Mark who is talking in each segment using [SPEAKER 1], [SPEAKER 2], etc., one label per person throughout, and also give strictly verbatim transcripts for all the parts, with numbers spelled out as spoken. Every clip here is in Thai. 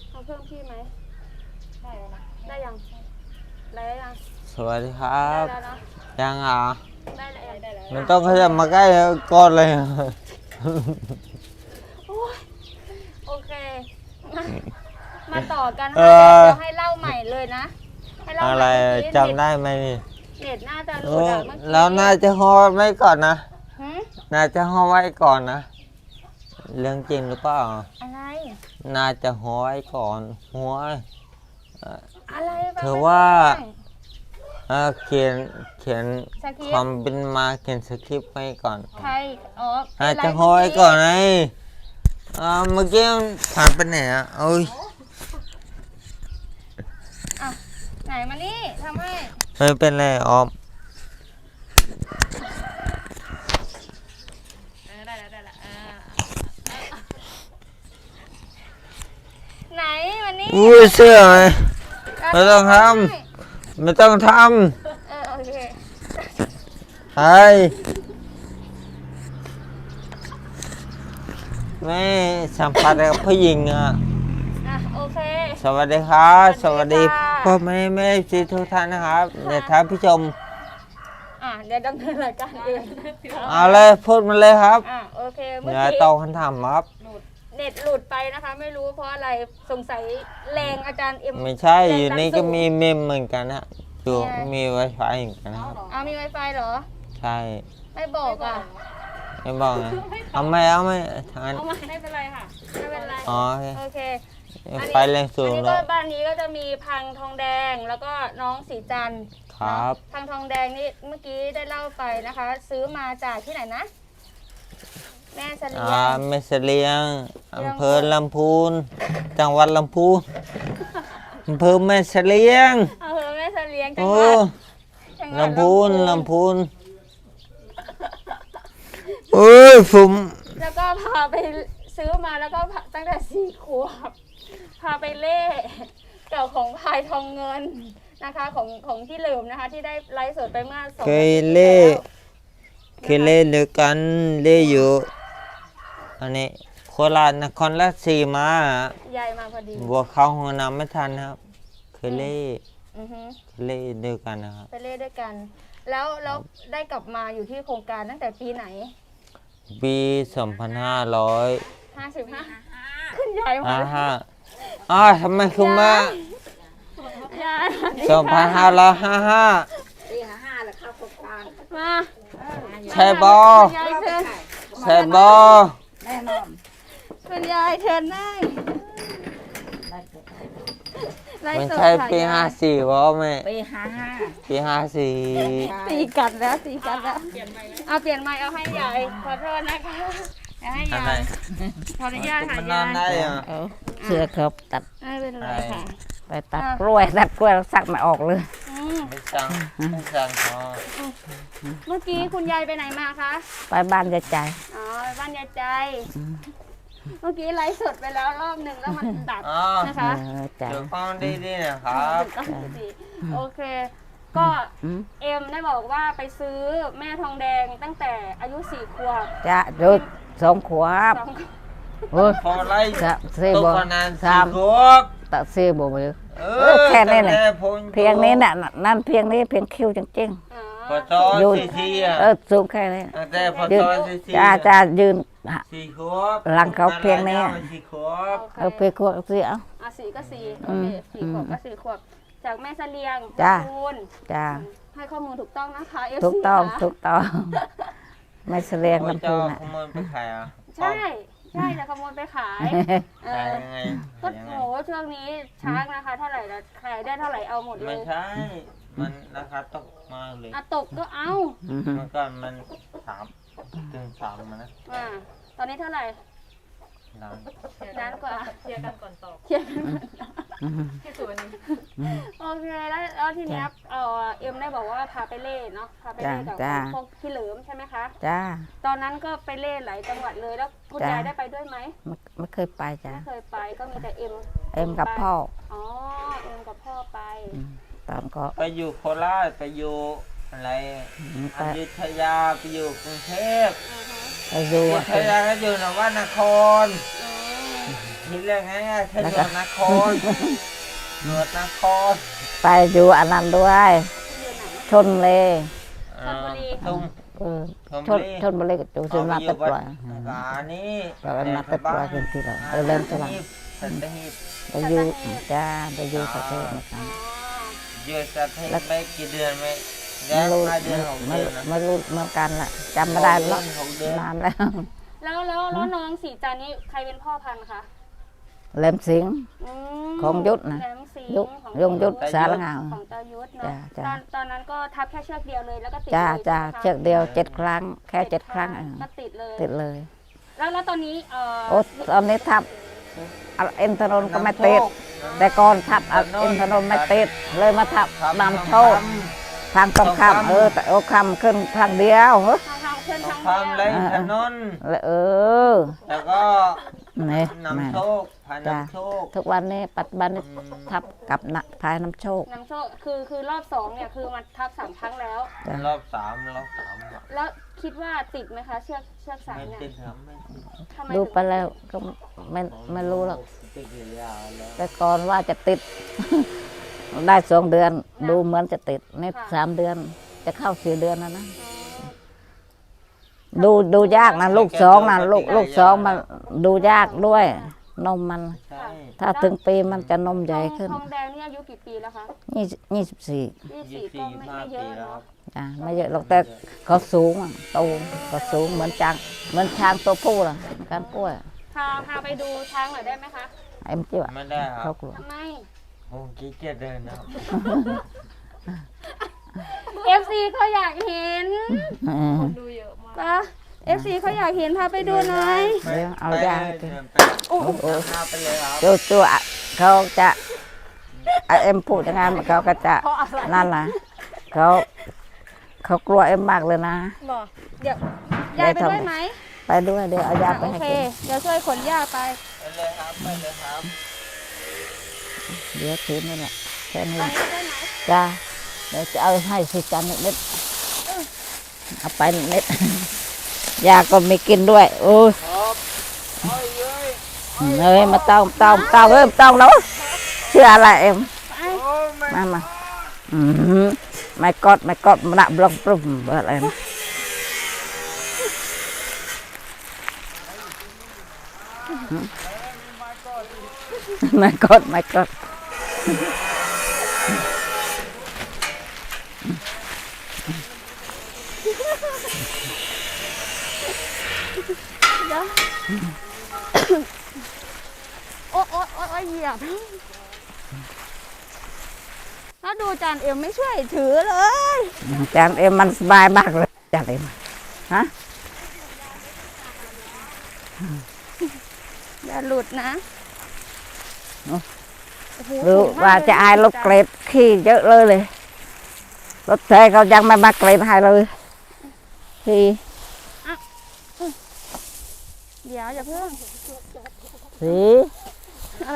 [SPEAKER 1] เอาเพิ่มที่ไหมได้แล้วนะได้ยังได้ยัง
[SPEAKER 2] สวัสดีครับ
[SPEAKER 1] ได้แล้วนะ
[SPEAKER 2] ยังอ่ะ
[SPEAKER 1] ได้แล้วได้แล้ว
[SPEAKER 2] มันต้องขยับมาใกล้ก้อนเลย
[SPEAKER 1] โอเคมามาต่อกันค่ะเดี๋ยวให้เล่าใหม่เลยนะให้เล่า
[SPEAKER 2] อะไร
[SPEAKER 1] ใหม่
[SPEAKER 2] จำได้ไหมนี่
[SPEAKER 1] เน็ตน่าจะหลุดอะเมื่อกี้
[SPEAKER 2] แล้วน่าจะห่อไว้ก่อนนะ
[SPEAKER 1] หืม
[SPEAKER 2] น่าจะห่อไว้ก่อนนะเรื่องจริงหรือเปล่า
[SPEAKER 1] อะไร
[SPEAKER 2] น่าจะห่อไว้ก่อนหัว
[SPEAKER 1] อะไร
[SPEAKER 2] เธอว่าเขียนเขียนความเป็นมาเขียนสคริปต์ไว้ก่อน
[SPEAKER 1] ใครอ๋อ
[SPEAKER 2] อาจจะห่อไว้ก่อนไงเมื่อกี้ผ่านไปไหนอ่ะโอ้ย
[SPEAKER 1] ไหนมานี่ทำให้
[SPEAKER 2] ไม่เป็นไรออม
[SPEAKER 1] ได้แล้วได้แล้วไหนมานี่
[SPEAKER 2] อุ้ยเสื้อไหมไม่ต้องทำไม่ต้องท
[SPEAKER 1] ำเออโอเค
[SPEAKER 2] ไอ้ไม่สัมผัสกับผู้หญิงอ่ะ
[SPEAKER 1] อ่ะโอเค
[SPEAKER 2] สวัสดีครับสวัสดีพ่อแม่แม่ซีทุกท่านนะครับเดี๋ยวท่านผู้ชม
[SPEAKER 1] อ่ะเดี๋ยวดำเนินรายการเอง
[SPEAKER 2] เอาเลยพูดมาเลยครับ
[SPEAKER 1] อ่ะโอเคเมื่อ
[SPEAKER 2] เดี๋ยว
[SPEAKER 1] กี้
[SPEAKER 2] ตอบคำถามครับ
[SPEAKER 1] เน็ตหลุดไปนะคะไม่รู้เพราะอะไรสงสัยแรงอาจารย์เอ็ม
[SPEAKER 2] ไม่ใช่อยู่นี่ก็มีเมมเหมือนกันนะอยู่มีไวไฟเหมือนกันนะครับ
[SPEAKER 1] เอามีไวไฟเหรอ
[SPEAKER 2] ใช่
[SPEAKER 1] ไม่บอกอ่ะ
[SPEAKER 2] ไม่บอกนะเอาไม่เอาไม่ทางนั้น
[SPEAKER 1] ไม่เป็นไรค่ะไม่เป็นไร
[SPEAKER 2] อ๋อ
[SPEAKER 1] โอเค
[SPEAKER 2] ไฟแรงสูง
[SPEAKER 1] แล้วบ้านนี้ก็จะมีพังทองแดงแล้วก็น้องสีจันทร์
[SPEAKER 2] ครับ
[SPEAKER 1] พังทองแดงนี่เมื่อกี้ได้เล่าไปนะคะ ซื้อมาจากที่ไหนนะแม่เสลียง
[SPEAKER 2] แม่เสลียงอำเภอลำพูนจังหวัดลำพูนอำเภอแม่เสลียง
[SPEAKER 1] อำเภอแม่เสลียงจังหวัด
[SPEAKER 2] ลำพูนลำพูนเอ้ยผม
[SPEAKER 1] แล้วก็พาไปซื้อมาแล้วก็ตั้งแต่สี่ขวบพาไปเล่เกี่ยวของพายทองเงินนะคะของของที่เหลิมนะคะที่ได้ไลฟ์สดไปเมื่อสอง
[SPEAKER 2] เคยเล่เคยเล่เดียวกันเล่อยู่อันนี้โคราชนครราชสีมาย
[SPEAKER 1] ายมาพอดี
[SPEAKER 2] บัวเข้าห้องน้ำไม่ทันครับเคยเล่
[SPEAKER 1] อือฮึ
[SPEAKER 2] เคยเล่เดียวกันนะครับ
[SPEAKER 1] ไปเล่ด้วยกันแล้วแล้วได้กลับมาอยู่ที่โครงการตั้งแต่ปีไหน
[SPEAKER 2] ปีสองพันห้าร้อย
[SPEAKER 1] ห้าสิบห้าขึ้นใหญ่มา
[SPEAKER 2] ห้าอ้าทำไมคุณมาสองพันห้าร้อยห้าห้า
[SPEAKER 3] ปีห้าห้าแล้วเข้าโครงการ
[SPEAKER 1] มา
[SPEAKER 2] ใช่บอใช่บอ
[SPEAKER 3] แน่นอน
[SPEAKER 1] คุณยายเชิญนั่ง
[SPEAKER 2] มันใช่ปีห้าสี่บอไหม
[SPEAKER 3] ปีห้าห้า
[SPEAKER 2] ปีห้าสี่
[SPEAKER 1] ตีกันแล้วตีกันแล้วเอาเปลี่ยนไม้เอาให้ยายขอโทษนะคะเอาให้ยายขออนุญาตค่ะยาย
[SPEAKER 3] เสื้อครับตัด
[SPEAKER 1] ไม่เป็นไรค่ะ
[SPEAKER 3] ไปตัดกล้วยตัดกล้วยสักไม่ออกเลย
[SPEAKER 2] ไม่สั่งไม่สั่งพอ
[SPEAKER 1] เมื่อกี้คุณยายไปไหนมาคะ
[SPEAKER 3] ไปบ้านยายใจ
[SPEAKER 1] อ๋อไปบ้านยายใจเมื่อกี้ไลฟ์สดไปแล้วรอบหนึ่งแล้วมันดับนะคะ
[SPEAKER 2] เดี๋ยวฟังดีๆนะครับ
[SPEAKER 1] โอเคก็เอ็มได้บอกว่าไปซื้อแม่ทองแดงตั้งแต่อายุสี่ขวบ
[SPEAKER 3] จะดูสองขวบ
[SPEAKER 2] โอ้พอไล่
[SPEAKER 3] ตัว
[SPEAKER 2] นานสามขวบ
[SPEAKER 3] ตัดเสื้อบ่มือแค่นี้เนี่ยเพียงนี้น่ะนั่นเพียงนี้เพียงคิ้วจริง
[SPEAKER 2] ๆพอจอซีซีอ่ะ
[SPEAKER 3] เออสูงแค่นี้
[SPEAKER 2] แต่พอจอซีซี
[SPEAKER 3] จ้าจ้ายืน
[SPEAKER 2] สี่ขวบ
[SPEAKER 3] หลังเขาเพียงนี้
[SPEAKER 2] สี่ขวบ
[SPEAKER 3] เออเพียงขวบสี่เอา
[SPEAKER 1] อ่ะสี่ก็สี่โอเคสี่ขวบก็สี่ขวบจากแม่เสลียง
[SPEAKER 3] จ้า
[SPEAKER 1] จ้าให้ข้อมูลถูกต้องนะคะ
[SPEAKER 3] ถูกต้องถูกต้องแม่เสลียงลำพูน
[SPEAKER 2] ขโมยไปขายอ่ะ
[SPEAKER 1] ใช่ใช่จะขโมยไปขาย
[SPEAKER 2] ขายยังไง
[SPEAKER 1] ก็โหช่วงนี้ช้างนะคะเท่าไหร่ละขายได้เท่าไหร่เอาหมดเลย
[SPEAKER 2] ไม่ใช่มันราคาตกมากเลย
[SPEAKER 1] อ่ะตกก็เอา
[SPEAKER 2] เมื่อก่อนมันสามถึงสามมันนะ
[SPEAKER 1] อ่าตอนนี้เท่าไหร่
[SPEAKER 2] นาน
[SPEAKER 1] นานกว่า
[SPEAKER 4] เคลียร์กันก่อนตอบ
[SPEAKER 1] เคลียร์กันก่อน
[SPEAKER 4] ที่สุดวันนี้
[SPEAKER 1] โอเคแล้วแล้วทีนี้เออเอ็มได้บอกว่าพาไปเล่เนาะพาไปเล่กับพวกพี่เหลิมใช่ไหมคะ
[SPEAKER 3] จ้า
[SPEAKER 1] ตอนนั้นก็ไปเล่หลายจังหวัดเลยแล้วคุณยายได้ไปด้วยไหม
[SPEAKER 3] ไม่เคยไปจ้า
[SPEAKER 1] ไม่เคยไปก็มีแต่เอ็ม
[SPEAKER 3] เอ็มกับพ่อ
[SPEAKER 1] อ๋อเอ็มกับพ่อไป
[SPEAKER 3] ตอนก็
[SPEAKER 2] ไปอยู่โคราชไปอยู่อะไรอยุธยาไปอยู่กรุงเทพ
[SPEAKER 3] ไปอยู่
[SPEAKER 2] อยุธยาก็อยู่นวนครทีแรกไงแค่หนวดนครหนวดนคร
[SPEAKER 3] ไปอยู่อันนั้นด้วยชนเลย
[SPEAKER 2] ตุ้ม
[SPEAKER 3] เออชนชนบุรีกับจูซิมาตัดปล่อย
[SPEAKER 2] อันนี้
[SPEAKER 3] เราเป็นมาตัดปล่อยกันที่เราเออเริ่มสลัง
[SPEAKER 2] สัตหีบ
[SPEAKER 3] ไปอยู่จ้าไปอยู่ประเทศนะครับ
[SPEAKER 2] อยู่สัตหีบไม่กี่เดือนไม่แล้
[SPEAKER 3] ไม่
[SPEAKER 2] ว
[SPEAKER 3] รู้
[SPEAKER 2] ห้าเดือนหก
[SPEAKER 3] ไม่
[SPEAKER 2] เดือนนะ
[SPEAKER 3] ไม่รู้เหมือนกันล่ะจำไม่ได้แล้วนานแล้ว
[SPEAKER 1] แล้วแล้วแล้วน้องสีจันทร์นี่ใครเป็นพ่อพันธุ์คะ
[SPEAKER 3] เล่มสิง
[SPEAKER 1] อืม
[SPEAKER 3] ของยุทธนะ
[SPEAKER 1] แหลมสิงห์
[SPEAKER 3] ยุทธ
[SPEAKER 1] ของ
[SPEAKER 3] ยงยุทธสารงา
[SPEAKER 1] ของตายุทธเนาะ
[SPEAKER 3] จ้าจ้า
[SPEAKER 1] ตอนตอนนั้นก็ทับแค่เชือกเดียวเลยแล้วก็ติด
[SPEAKER 3] จ้า
[SPEAKER 1] เลย
[SPEAKER 3] จ้า
[SPEAKER 1] ใช่ไหมคะ
[SPEAKER 3] เชือกเดียวเจ็ดครั้งแค่เจ็ดครั้งเออ
[SPEAKER 1] ก็ติดเลย
[SPEAKER 3] ติดเลย
[SPEAKER 1] แล้วแล้วตอนนี้เอ่อ
[SPEAKER 3] โอ้ตอนนี้ทับเอาเอ็นทนนก็ไม่ติดแต่ก่อนทับเอาเอ็นทนนไม่ติดเลยมาทับนำโชคทางตรงข้ามเออแต่โอ้คำขึ้นทางเดียวเฮ้ย
[SPEAKER 1] ทางทางเพื่อน
[SPEAKER 2] ต้อ
[SPEAKER 1] ทาง ง
[SPEAKER 2] ทำไร
[SPEAKER 1] เดียว
[SPEAKER 2] ถนน
[SPEAKER 3] แล้วเออ
[SPEAKER 2] แล้วก็
[SPEAKER 3] นี่แม่
[SPEAKER 2] นำโชคพาน
[SPEAKER 3] จ้า
[SPEAKER 2] ำโชค
[SPEAKER 3] ทุกวันนี้ปัจจุบันนี้ทับกับนะพายน้ำโชค
[SPEAKER 1] น้ำโชคคือคือรอบสองเนี่ยคือมันทับสามครั้งแล้ว
[SPEAKER 3] จ้าร
[SPEAKER 2] อบสามรอบสามอะ
[SPEAKER 1] แล้วคิดว่าติดไหมคะเชือกเชือกสาย
[SPEAKER 2] ไม่
[SPEAKER 1] เนี่ย
[SPEAKER 2] ติดครับไม่ติด
[SPEAKER 1] ทำไม
[SPEAKER 3] ดู
[SPEAKER 1] ถึง
[SPEAKER 3] ไปแล้วก็ไม่ไม่รู้หรอก
[SPEAKER 2] ติดอยู่ยาวแล้ว
[SPEAKER 3] แต่ก่อนว่าจะติด ได้สองเดือน ดูเหมือนจะติดนี่สามเดือน จะเข้าสี่เดือนแล้วนะ ดูดูยากนะลูกสองนะลูกลูกสองมันดูยากด้วย นมมัน
[SPEAKER 2] ใช่
[SPEAKER 3] ถ้าถึงปีมันจะนมใหญ่ขึ้น
[SPEAKER 1] ทองแดงนี่อายุกี่ปีแล้วคะ
[SPEAKER 3] ยี่ยี่สิบสี่
[SPEAKER 1] ยี่
[SPEAKER 2] ยี่
[SPEAKER 1] สิบ
[SPEAKER 2] สิบ
[SPEAKER 1] ก็
[SPEAKER 2] สี่
[SPEAKER 1] ไม่
[SPEAKER 2] ห้า
[SPEAKER 1] ไม่เย
[SPEAKER 2] ปี
[SPEAKER 1] อะ
[SPEAKER 2] แล้วค
[SPEAKER 1] เนาะ
[SPEAKER 2] รับ
[SPEAKER 3] อ่ะไม่เยอะหรอกแต่เขาสูงอะโตก็สูงเหมือนจังเหมือนช้างตัวผู้ล่ะการกล้วย
[SPEAKER 1] พาพาไปดูช้างหน่อยได้ไหมคะ
[SPEAKER 3] ไอ้มจิ้วอะ
[SPEAKER 2] ไม่ได้ครั
[SPEAKER 3] เขา
[SPEAKER 2] บ
[SPEAKER 3] กลัว
[SPEAKER 1] ทำไม
[SPEAKER 2] ผมขี้เกียจเดินนะครับ
[SPEAKER 1] เอฟซีเขาอยากเห็น
[SPEAKER 3] อืม
[SPEAKER 4] ดูเยอะมาก
[SPEAKER 1] ปะเอฟซีเขาอยากเห็นพาไปดูหน่อย
[SPEAKER 3] เดี๋ยวเอายาให้กิน
[SPEAKER 2] ไป
[SPEAKER 1] โอ้โห
[SPEAKER 2] โอ้หน้าไปเลยครับ
[SPEAKER 3] ตัวตัวอะเขาจะไอเอ็มพูดยังไงเขาก็จะ
[SPEAKER 1] เพราะอะไร
[SPEAKER 3] นั่นล่ะเขาเขากลัวเอ็มมากเลยนะ
[SPEAKER 1] บอกเดี๋ยว ยายไปด้วยไหม
[SPEAKER 3] ไปด้วยเดี๋ยวเอายาไป
[SPEAKER 1] โอ
[SPEAKER 3] ให้
[SPEAKER 1] เค
[SPEAKER 3] กิน
[SPEAKER 1] เดี๋ยวช่วยขนยาไป
[SPEAKER 2] ไปเลยครับไปเลยครับ
[SPEAKER 3] เดี๋ยวถือนี่แหละแค่นี้
[SPEAKER 1] ตอนนี้ได้ไหม
[SPEAKER 3] จ้าเดี๋ยวจะเอาให้สิจันนิดนิดเอาไปนิดนิดยาก็ไม่กินด้วยโอ้ย
[SPEAKER 2] ครับโอ้ยเอ้ย
[SPEAKER 3] เอ้ยมาต้องต้องต้องเอ้ยต้องแล้วเชื่ออะไรเอ็ม
[SPEAKER 1] ไป
[SPEAKER 2] โอ้ยไม่
[SPEAKER 3] มามาอืมไม่กอดไม่กอดมันบล็อกปรุ้มอะไรนะไม่กอดไม่กอด
[SPEAKER 1] โอ๊ยโอ๊ยโอ๊ยโอ๊ยเหยียบแล้วดูจานเอ็มไม่ช่วยถือเลย
[SPEAKER 3] จานเอ็มมันสบายมากเลยจานเอ็มฮะ
[SPEAKER 1] อย่าหลุดนะโอ้โห
[SPEAKER 3] รู้
[SPEAKER 1] สูงมก
[SPEAKER 3] ว่าจะอายรถเกรดขี้เยอะเลยเลยรถเทเขายังไม่มาเกรดให้เลยขี้
[SPEAKER 1] เดี๋ยวอย่าเพิ่ง
[SPEAKER 3] สี
[SPEAKER 1] อะไร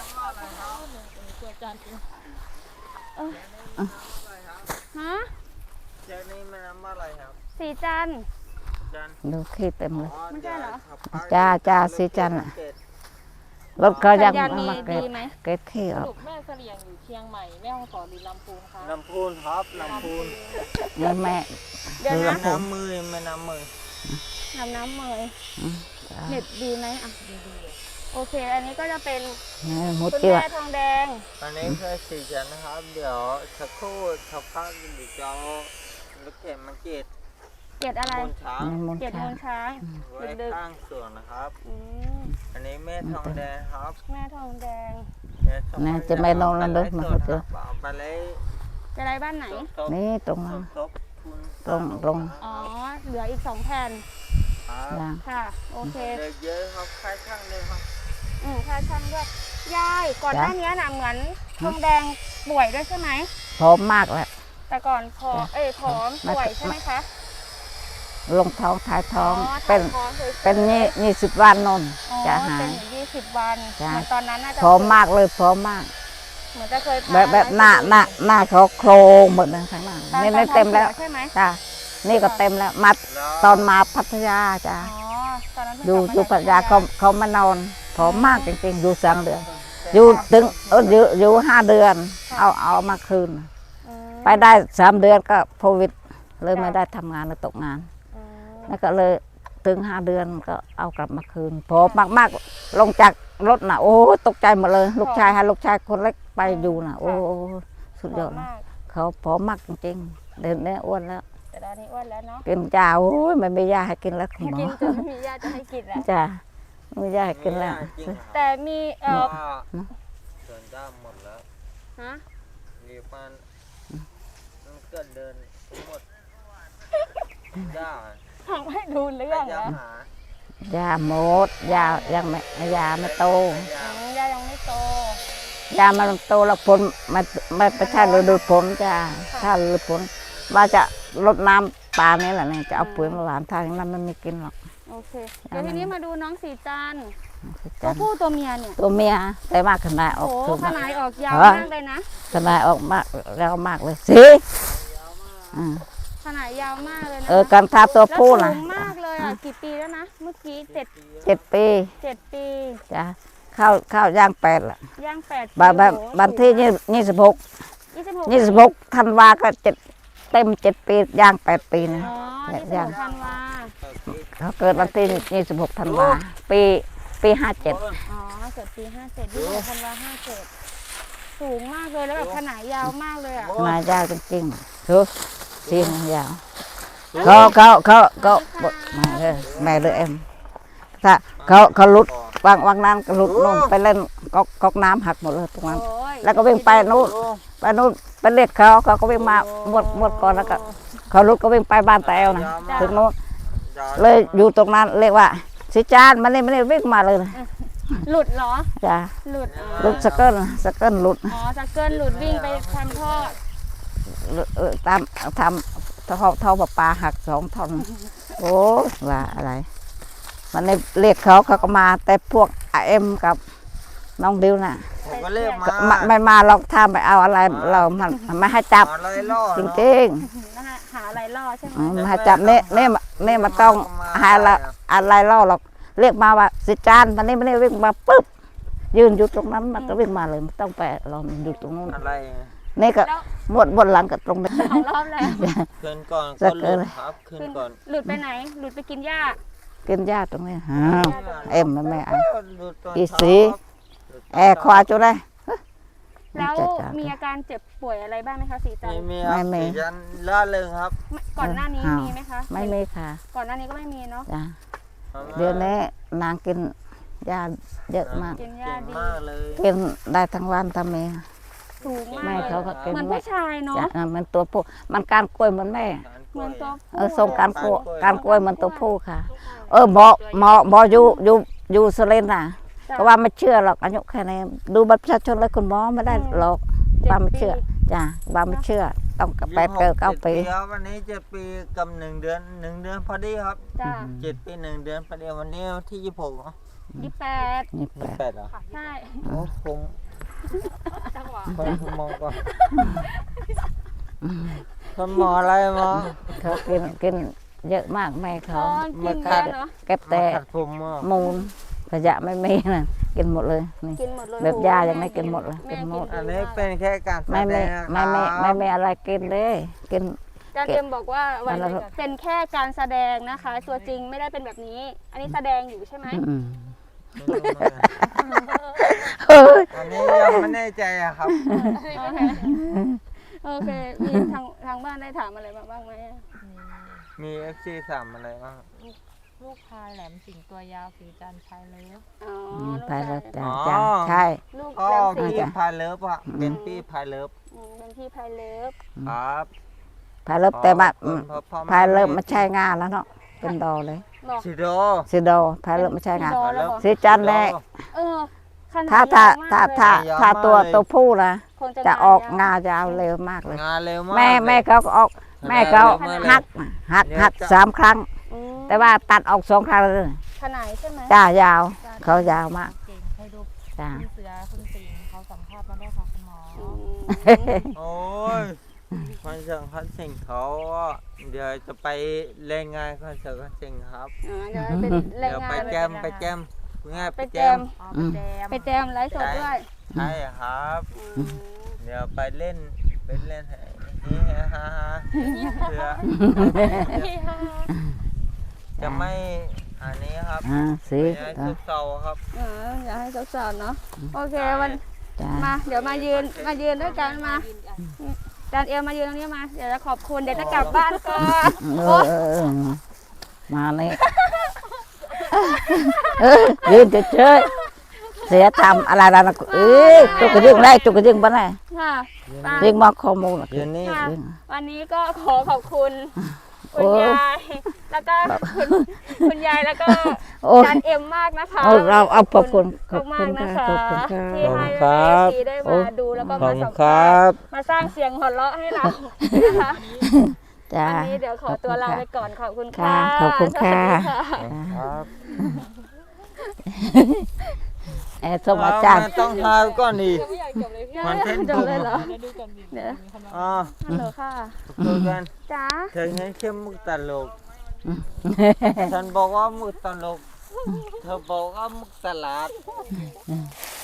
[SPEAKER 1] ฮะ
[SPEAKER 2] เจ้านี่มันน้ำอะไรครับ
[SPEAKER 1] สีจันทร์
[SPEAKER 2] จัน
[SPEAKER 3] ดูขี้เต็มเลย
[SPEAKER 1] ไม่ใช่เหรอ
[SPEAKER 3] จ้าจ้าสีจันทร์น่ะ รถเขายัง
[SPEAKER 1] สัญญาณ
[SPEAKER 3] ไม่
[SPEAKER 1] ดี
[SPEAKER 3] มาเกรด
[SPEAKER 1] ดีไหม
[SPEAKER 3] เกรดขี้อ
[SPEAKER 4] ส
[SPEAKER 3] อก
[SPEAKER 4] รุปแม่เสลียงอยู่เชียงใหม่แม่ฮ่องสอนหรือลำพูนคะ
[SPEAKER 2] ลำพูนครับลำพูน
[SPEAKER 3] แม่แม่
[SPEAKER 1] เดี๋ยว
[SPEAKER 3] ดู
[SPEAKER 1] นะ
[SPEAKER 3] ลำ
[SPEAKER 2] น้ำมือไม่น้ำมือ
[SPEAKER 1] ทำน้ำเมย
[SPEAKER 3] อืมจ้า
[SPEAKER 1] เน็ตดีไหมอ่ะโอเค อันนี้ก็จะเป็น
[SPEAKER 3] เนี่ยหมด
[SPEAKER 1] คุณ
[SPEAKER 3] จิ๋ว
[SPEAKER 1] แม่ทองแดง
[SPEAKER 2] อันนี้คือสีจันทร์นะครับ เดี๋ยวสักครู่สักพักเดี๋ยวจะเอาลูกเข็มมาเกต
[SPEAKER 1] เกตอะไร
[SPEAKER 2] บนช้าง
[SPEAKER 3] มน
[SPEAKER 1] เกต
[SPEAKER 3] ช้า
[SPEAKER 1] มูลช้าง
[SPEAKER 2] ไว้ข้างสวนนะครับ
[SPEAKER 1] อืม
[SPEAKER 2] อันนี้แม่ทองแดงครับ
[SPEAKER 1] แม่ทองแดง
[SPEAKER 2] เดี๋ยวสักพัก
[SPEAKER 3] น่าจะไม่นอนแล้วเด้อมา
[SPEAKER 2] เอา
[SPEAKER 3] เจอ
[SPEAKER 2] ไปเลย
[SPEAKER 1] จะได้บ้านไหน
[SPEAKER 2] ทบ
[SPEAKER 3] นี่ตรง
[SPEAKER 2] ท
[SPEAKER 3] นั้น
[SPEAKER 2] บทบทุน
[SPEAKER 3] ตรงตรง
[SPEAKER 1] อ๋อ เหลืออีกสองแผ่น
[SPEAKER 2] ครับ
[SPEAKER 3] จ้า
[SPEAKER 1] ค่ะ โอเค
[SPEAKER 2] เดี๋ยวเยอะครับค่ายช่างเลยครับ
[SPEAKER 1] อืมค่าช่างด้วย ยาย ก่อนหน้านี้น่ะเหมือนทองแดงป่วยด้วยใช่ไหม
[SPEAKER 3] พร้อมมากแล้ว
[SPEAKER 1] แต่ก่อนพอ
[SPEAKER 3] จ้ะ
[SPEAKER 1] เอ้ยผอม
[SPEAKER 3] ไม่
[SPEAKER 1] ป่วยใช่ไหมคะ
[SPEAKER 3] ลงท้องท้ายท้อง
[SPEAKER 1] ถ่า
[SPEAKER 3] เป็น
[SPEAKER 1] ยท้องฉยๆ
[SPEAKER 3] เป็นยี่ยี่สิบวันนน
[SPEAKER 1] อ๋อ
[SPEAKER 3] จะหา
[SPEAKER 1] เป็น
[SPEAKER 3] ย
[SPEAKER 1] อยู่ยี่สิบวัน
[SPEAKER 3] จ้ะ
[SPEAKER 1] เหมือนตอนนั้นน่าจะ
[SPEAKER 3] พร้อมมากเลยพร้อมมาก
[SPEAKER 1] เหมือนจะเคยพา
[SPEAKER 3] แบบแบบ
[SPEAKER 1] ไป
[SPEAKER 3] หน้าหน้าหน้าเขาโครงหมดเลยข้างหน้า
[SPEAKER 1] ตอน
[SPEAKER 3] นี่
[SPEAKER 1] ตอ
[SPEAKER 3] นี่
[SPEAKER 1] น
[SPEAKER 3] เต็มแล้ว
[SPEAKER 1] ท้องสียใช่ไหม
[SPEAKER 3] จ้านี่ก็เต็มแล้วมา
[SPEAKER 2] แล้ว
[SPEAKER 3] ตอนมาพัทยาจ้า
[SPEAKER 1] อ๋อ ตอนนั้นเพิ่ง
[SPEAKER 3] อยู่
[SPEAKER 1] กลับมา
[SPEAKER 3] อยู่พัทยา
[SPEAKER 1] จก
[SPEAKER 3] เขาเขามานอน
[SPEAKER 1] ค
[SPEAKER 3] ผอมมากจริงๆอยู่สามเดือนอยู่ถึงเอออยู่อยู่ห้าเดือน เอาเอามาคืน
[SPEAKER 1] อืม
[SPEAKER 3] ไปได้สามเดือนก็โควิดเลยไม่ได้ทำงานเลยตกงาน
[SPEAKER 1] อืม
[SPEAKER 3] แล้วก็เลยถึงห้าเดือนก็เอากลับมาคืนผอมมากๆลงจากรถน่ะโอ้ตกใจหมดเลย ลูกชายให้ลูกชายคนเล็กไปอยู่น่ะโอ้สุดยอด
[SPEAKER 1] ผอม
[SPEAKER 3] นะ
[SPEAKER 1] มาก
[SPEAKER 3] เขาผอมมากจริงๆเดินเนี่ยอ้วนแล้ว
[SPEAKER 1] แต่ตอนนี้อ้วนแล้วเนาะ
[SPEAKER 3] กินยาโอ้ยไม่มียาให้กินแล้วคุณหมอ
[SPEAKER 1] กินจนไม่มีญาติจะให้กินแล้ว
[SPEAKER 3] จ้าไม่มียาให้กินแล้ว
[SPEAKER 2] จริงเหรอ
[SPEAKER 1] แต่มีเออ
[SPEAKER 2] ว่าสวนด้ามหมดแล้ว
[SPEAKER 1] ฮะ
[SPEAKER 2] มีมันมันเกิดเดินหมดย่า
[SPEAKER 1] ทำให้ดูเรื่อง
[SPEAKER 2] ย่า
[SPEAKER 1] แล้ว
[SPEAKER 2] หาย
[SPEAKER 3] าหมดยายังไม่ยาไม่โต
[SPEAKER 2] ย่า
[SPEAKER 1] อืมยายังไม่โต
[SPEAKER 3] ยามันโตแล้วผลไม่ไม่ไม่ใช่ฤดูผลจ้าถ้าฤดูผลว่าจะลดน้ำปลานี่แหละเนี่ยจะเอาปุ๋ยมาหวานทางนั้นมันไม่กินหรอก
[SPEAKER 1] โอเค เดี๋ยวทีนี้มาดูน้องสีจันทร์ตั
[SPEAKER 3] จ้ะ
[SPEAKER 1] วผู้ตัวเมียเนี่ย
[SPEAKER 3] ตัวเมียแต่มากขนาดอ
[SPEAKER 1] โอ้
[SPEAKER 3] อก
[SPEAKER 1] โห
[SPEAKER 3] ถูก
[SPEAKER 1] ขนาดออกยาว
[SPEAKER 3] ฮะ
[SPEAKER 1] มากเลยนะ
[SPEAKER 3] ขนาดออกมากแล้วมากเลยสิอืม
[SPEAKER 1] ขนาดยาวมากเลยนะ
[SPEAKER 3] เออการทาตัว
[SPEAKER 1] แล้ว
[SPEAKER 3] ผู้
[SPEAKER 1] สู
[SPEAKER 3] นะ
[SPEAKER 1] งมากเลยอ่ะกี่ปีแล้วนะเมื่อกี้เจ็ด
[SPEAKER 3] เจ็ดปี
[SPEAKER 1] เจ็ดปี
[SPEAKER 3] จ้ะเข้าเข้าย่างแปดละ
[SPEAKER 1] ย่างแปดปี
[SPEAKER 3] บันบัน
[SPEAKER 1] โอ้โห
[SPEAKER 3] บันที่ยี่ยี่สิบหก
[SPEAKER 1] ยี่สิบหก
[SPEAKER 3] ยี่สิบหกธันวาก็เจ็ดเต็มเจ็ดปีย่างแปดปีนะ
[SPEAKER 1] อ๋อ
[SPEAKER 3] เนี่
[SPEAKER 1] ยี่
[SPEAKER 3] ย
[SPEAKER 1] สิบหกธันวา
[SPEAKER 3] เขาเกิดวันที่ยี่สิบหกธันวาปีปีห้าเจ็ด
[SPEAKER 1] อ๋อเกิดปีห้าเจ็ดยี่สิบหกธันวาห้าเจ็ดสูงมากเลยแล้วแบบขนาดยาวมากเลยอ่ะ
[SPEAKER 3] นายยาวจริงๆดูสีนยาวเขาเขาเขาเขามาเลยแม่เลยเอ็มถ้าเขาเขาหลุดวางวางนั้นก็หลุดนู่นไปเล่นก๊อกก๊อกน้ำหักหมดเลยตรงนั้น
[SPEAKER 1] โอ้ย
[SPEAKER 3] แล้วก็วิ่งไปนู่นไปนู่นไปเรียกเขาเขาก็วิ่งมาหมดหมดก่อนแล้วก็เขาหลุดก็วิ่งไปบ้านตาแอลนะถึงนู้นเลยอยู่ตรงนั้นเรียกว่าสิจานมันนี่ไม่ได้วิ่งมาเลย
[SPEAKER 1] หลุดเหรอ
[SPEAKER 3] จ้ะ
[SPEAKER 1] หลุดอ๋อ
[SPEAKER 3] หลุดสเกิลสเกิลหลุด
[SPEAKER 1] อ๋อจะเกินหลุดวิ่งไปทำท่อ
[SPEAKER 3] เออตามทำท่อท่อประปาหักสองท่อนโอ้ว่าอะไร มันในเรียกเขาเขาก็มาแต่พวกเอ็มกับน้องดิวน่ะ
[SPEAKER 2] ผมก็เรียกมา
[SPEAKER 3] ไม่ไม่มาเราถ้าไปเอาอะไรเรามันไม่ให้จับ
[SPEAKER 2] อะไรล่อ
[SPEAKER 3] จริง
[SPEAKER 1] นะคะหาอะไรล่อใช่ไหม
[SPEAKER 3] ๆอืมไม่ให้จับเนี่ยเนี่ยเนี่ยมันต้องหาอะไรอะไรล่อหรอกเรียกมาว่าสิจานมันนี่ไม่ได้วิ่งมาปุ๊บยืนอยู่ตรงนั้นมันก็วิ่งมาเลยไม่ต้องไปเราอยู่ตรงนู้น
[SPEAKER 2] อะไร
[SPEAKER 3] นี่ก็หมดบนหลังกับตรงนี้
[SPEAKER 1] สองรอบแล้ว
[SPEAKER 2] คืนก่อน
[SPEAKER 3] จะ
[SPEAKER 2] ก็ห
[SPEAKER 3] เกิ
[SPEAKER 2] ลุ
[SPEAKER 3] ด
[SPEAKER 2] ดครับคืน
[SPEAKER 1] ขึ้น
[SPEAKER 2] ก่อน
[SPEAKER 1] หลุดไปไหน หลุดไปกินหญ้า
[SPEAKER 3] กินหญ้าตรงนี้อ้าวเอ็มมันไม่เอา
[SPEAKER 2] หลุดตน
[SPEAKER 3] อี
[SPEAKER 2] เช้า
[SPEAKER 3] สี
[SPEAKER 2] ครับ
[SPEAKER 3] แอร์ควาจุได้
[SPEAKER 1] แล้ว
[SPEAKER 3] จัดจ้ะ
[SPEAKER 1] มีอาการเจ็บป่วยอะไรบ้างไหมคะสีจัน
[SPEAKER 2] ไม่
[SPEAKER 1] ทร์
[SPEAKER 2] มีครับ
[SPEAKER 3] ไม่มี
[SPEAKER 2] สีจันทร์ล่าเริงครับ
[SPEAKER 1] ไม่ก่อนหน้านี้
[SPEAKER 3] อ้าว
[SPEAKER 1] มีไหมคะ
[SPEAKER 3] ไม่มีค่ะ
[SPEAKER 1] ก่อนหน้านี้ก็ไม่มีเนาะ
[SPEAKER 3] จ้ะเดี๋ยวนี้นางกินยาเยอะมาก
[SPEAKER 1] กินหญ้า
[SPEAKER 2] เก่ง
[SPEAKER 1] ดี
[SPEAKER 2] มากเลย
[SPEAKER 3] กินได้ทั้งวันทั้งเมีย
[SPEAKER 1] สูง
[SPEAKER 3] แม่
[SPEAKER 1] มาก
[SPEAKER 3] เขาก็กิน
[SPEAKER 1] เหมือน
[SPEAKER 3] แม่
[SPEAKER 1] ผู้ชายเนาะ
[SPEAKER 3] จ้ะมันตัวผู้มันการกล้วยเหมือนแม่
[SPEAKER 1] เหมือนตัว
[SPEAKER 3] เอ
[SPEAKER 1] ผู้
[SPEAKER 3] อส่งการกล้วย
[SPEAKER 2] กล้วย
[SPEAKER 3] การกล้วยเหมันตัวผู้ค่ะ เออหมอหมอหมออยู่อยู่อยู่สเลนน่ะ
[SPEAKER 1] จ้ะ
[SPEAKER 3] ก็ว่าไม่เชื่อหรอกอายุแค่นี้ดูบัตรประชาชนเลยคุณหมอไม่ได้หรอก
[SPEAKER 1] จ็ด
[SPEAKER 3] บ้าไม่เชื่อ
[SPEAKER 1] ปี
[SPEAKER 3] จ้ะบ้าไม่เชื่อ ต้องกับแปด
[SPEAKER 2] ยี่สิบห
[SPEAKER 3] เก้าเก้าปี
[SPEAKER 2] จ็ดครับวันนี้เจ็ดปีกับหนึ่งเดือนหนึ่งเดือนพอดีครับ
[SPEAKER 1] จ้า
[SPEAKER 2] เจ็ดปีหนึ่งเดือนพอดีวันนี้วันที่ยี่สิบหกเนอะ
[SPEAKER 1] ยี่สิบแปด
[SPEAKER 3] นี่แป
[SPEAKER 2] ยี่สิบ
[SPEAKER 3] ด
[SPEAKER 2] แปดเหรอ
[SPEAKER 1] ใช่
[SPEAKER 2] โอ้ผม
[SPEAKER 4] จังหวะ
[SPEAKER 2] ผมมองก่อนคุณหมออะไรหมอ
[SPEAKER 3] เขากินกินเยอะมากแม่เขา
[SPEAKER 1] อ๋อกินเยอะเนาะ
[SPEAKER 3] เก็บแต่
[SPEAKER 2] ขัดผมอ่ะ
[SPEAKER 3] มูลขยะไม่มีนะกินหมดเลยนี่
[SPEAKER 1] กินหมดเลย
[SPEAKER 3] แบบ
[SPEAKER 1] โอ้โห
[SPEAKER 3] ยาอย่างนี้กินหมดเลย
[SPEAKER 1] แม่
[SPEAKER 3] กินหมด
[SPEAKER 1] กิ
[SPEAKER 2] อันนี้เป็นแค่การแส
[SPEAKER 3] ไม่
[SPEAKER 2] ด
[SPEAKER 3] ไม่
[SPEAKER 2] งนะ
[SPEAKER 3] ไม่ไม่
[SPEAKER 2] ครับ
[SPEAKER 3] ไม่ไม่อะไรกินเลยกิน
[SPEAKER 1] อาจารย์เจมส์บอกว่าวัน
[SPEAKER 3] แล้วก็
[SPEAKER 1] เป็นแค่การแสดงนะคะ ตัวจริงไม่ได้เป็นแบบนี้ อันนี้แสดงอยู่ใช่ไหม
[SPEAKER 3] อืม
[SPEAKER 2] อันนี้ยังไม่แน่ใจอะครับ
[SPEAKER 1] โอเค มีทางทางบ้านได้ถามอะไรมาบ้างไหมอะ
[SPEAKER 2] มีเอฟซีสามอะไรบ้าง
[SPEAKER 4] ลูกพายแหลมสิงตัวยาวสีจันทร์ชายเล็บ
[SPEAKER 1] อ๋อ
[SPEAKER 3] อืม
[SPEAKER 1] ลูก
[SPEAKER 3] ไปแล้ว
[SPEAKER 1] ชาย
[SPEAKER 3] จ้าจ้าใช่
[SPEAKER 1] ลูก
[SPEAKER 2] ก็
[SPEAKER 1] แรมสี
[SPEAKER 2] พี่พายเลิฟอะเป็นพี่พายเลิฟ
[SPEAKER 1] อืมเป็นพี่พายเลิฟ
[SPEAKER 2] ครับ
[SPEAKER 3] พายเริ่มแต่มา
[SPEAKER 2] ขอบคุณพ่อพ่อแ
[SPEAKER 3] พายเริ่มไม่ใช่งานแล้วเนาะเป็นดอเลย
[SPEAKER 1] บอก
[SPEAKER 2] ชิโด
[SPEAKER 3] สีดอพายเริ่มไม่ใช่งาน
[SPEAKER 1] ดอแล้วบอก
[SPEAKER 3] สีจันทร์แน่
[SPEAKER 1] เออขนาด
[SPEAKER 3] ถ้าถ้าย
[SPEAKER 1] าวมาก
[SPEAKER 3] ถ้า
[SPEAKER 1] เลย
[SPEAKER 3] ถ้าถ้าตัวตัวผู้นะ
[SPEAKER 1] คงจะ
[SPEAKER 3] จะออก
[SPEAKER 1] งาง
[SPEAKER 3] าย ยาวเร็วมากเลย
[SPEAKER 2] งานเร็วมาก
[SPEAKER 3] แม่แม่เขาก็ออกแม่เขา
[SPEAKER 2] เร็วมากเลย
[SPEAKER 3] หักหักหักสามครั้ง
[SPEAKER 1] อืม
[SPEAKER 3] แต่ว่าตัดออกสองครั้งเลย
[SPEAKER 1] ขนาดใช่ไหม
[SPEAKER 3] จ้ายาว เขายาวมาก
[SPEAKER 4] เก่งให้ดู
[SPEAKER 3] จ้า
[SPEAKER 4] คุณเสือคุณสิงห์เขาสัมภาษณ์มาได้วยค่ะคุณหมอ
[SPEAKER 1] อืม
[SPEAKER 2] โอ้ยคอนเสิร์ตคอนเสิร์ตเขาอะเดี๋ยวจะไปเล่นงานคอนเสิร์ตคอนเสิร์ตครับ
[SPEAKER 1] อ๋อเดี๋ยวเป็นแร
[SPEAKER 2] เดี๋
[SPEAKER 1] ง
[SPEAKER 2] ยว
[SPEAKER 1] งา
[SPEAKER 2] ไป
[SPEAKER 1] น
[SPEAKER 2] แจมไปแจมคุณง่าย
[SPEAKER 1] ไป
[SPEAKER 2] ไป
[SPEAKER 1] แจ
[SPEAKER 2] แจ
[SPEAKER 1] ม
[SPEAKER 2] ม
[SPEAKER 4] อ๋อไปแจม
[SPEAKER 1] ไปแจมไลฟ์สดด้วย
[SPEAKER 2] ใช่ครับ
[SPEAKER 1] อืม
[SPEAKER 2] เดี๋ยวไปเล่นไปเล่นให้ฮิฮ่าฮ่าเพื่อจะไม่อันนี้ครับ
[SPEAKER 3] อ่าสิ
[SPEAKER 2] ไม่ให้ซุกเซาครับ
[SPEAKER 1] เอออยากให้สาวๆเนาะโอเควัน
[SPEAKER 3] จ้า
[SPEAKER 1] มาเดี๋ยวมายืนมายืนด้วยกันมาจานเอลมายืนตรงนี้มาเดี๋ยวจะขอบคุณเดี๋ยวจะกลับบ้านก่อน
[SPEAKER 3] เออเออเออมาเลยเออยืนเฉยๆเสียทำอะไรอะไรนะเอ้ยจุกกระยึงได้จุกกระยึงบ้านไหน
[SPEAKER 1] ค่ะป้า
[SPEAKER 3] เรียกมาข้อมูล
[SPEAKER 2] เดี๋ยวนี้
[SPEAKER 1] ค่ะวันนี้ก็ขอขอบคุณ
[SPEAKER 3] โอ้
[SPEAKER 1] คุณยายแล้วก็คุณคุณยายแล้วก็
[SPEAKER 3] โอ้ย
[SPEAKER 1] จานเอ็มมากนะคะ
[SPEAKER 3] เอาเราเอาขอบคุณขอบ
[SPEAKER 1] มา
[SPEAKER 3] คุ
[SPEAKER 1] ก
[SPEAKER 3] ณ
[SPEAKER 1] ๆนะ
[SPEAKER 3] ค่ะ
[SPEAKER 1] คะ
[SPEAKER 3] ขอบคุณค่ะ
[SPEAKER 1] ที่ให้
[SPEAKER 2] ครั
[SPEAKER 1] เอบ ซีได้
[SPEAKER 3] โอ้
[SPEAKER 1] มาดูแล้วก็
[SPEAKER 2] ขอ
[SPEAKER 1] มา
[SPEAKER 2] บคุ
[SPEAKER 1] สั
[SPEAKER 2] ณ
[SPEAKER 1] ม
[SPEAKER 2] คร
[SPEAKER 1] ภา
[SPEAKER 2] ั
[SPEAKER 1] ษ
[SPEAKER 2] บ
[SPEAKER 1] ณ์มาสร้างเสียงหัวเราะให้เรานะคะ
[SPEAKER 3] จ้า
[SPEAKER 1] วันนี้เดี๋ยวขอตัวลาไปก่อนขอบคุณค่ะ
[SPEAKER 3] ค่ะขอบคุณค่ะ
[SPEAKER 1] สวัสดีค่ะ
[SPEAKER 2] ครับ
[SPEAKER 3] เออส่งอาจารย์
[SPEAKER 2] เต้องทายก่อนดิ
[SPEAKER 4] ไม่อยากจบเลยพี่
[SPEAKER 2] มันเต้น
[SPEAKER 1] จบเลยเหรอ
[SPEAKER 4] เดี๋ยวดูก่อนดิ
[SPEAKER 1] เดี๋ยว
[SPEAKER 4] มีคนมา
[SPEAKER 2] อ๋อ
[SPEAKER 1] ฮัลโหลค่ะ
[SPEAKER 2] คุยกัน
[SPEAKER 1] จ้า
[SPEAKER 2] เธอให้เข้มมุกตลกฉันบอกว่ามุกตลกเธอบอกว่ามุกตลาด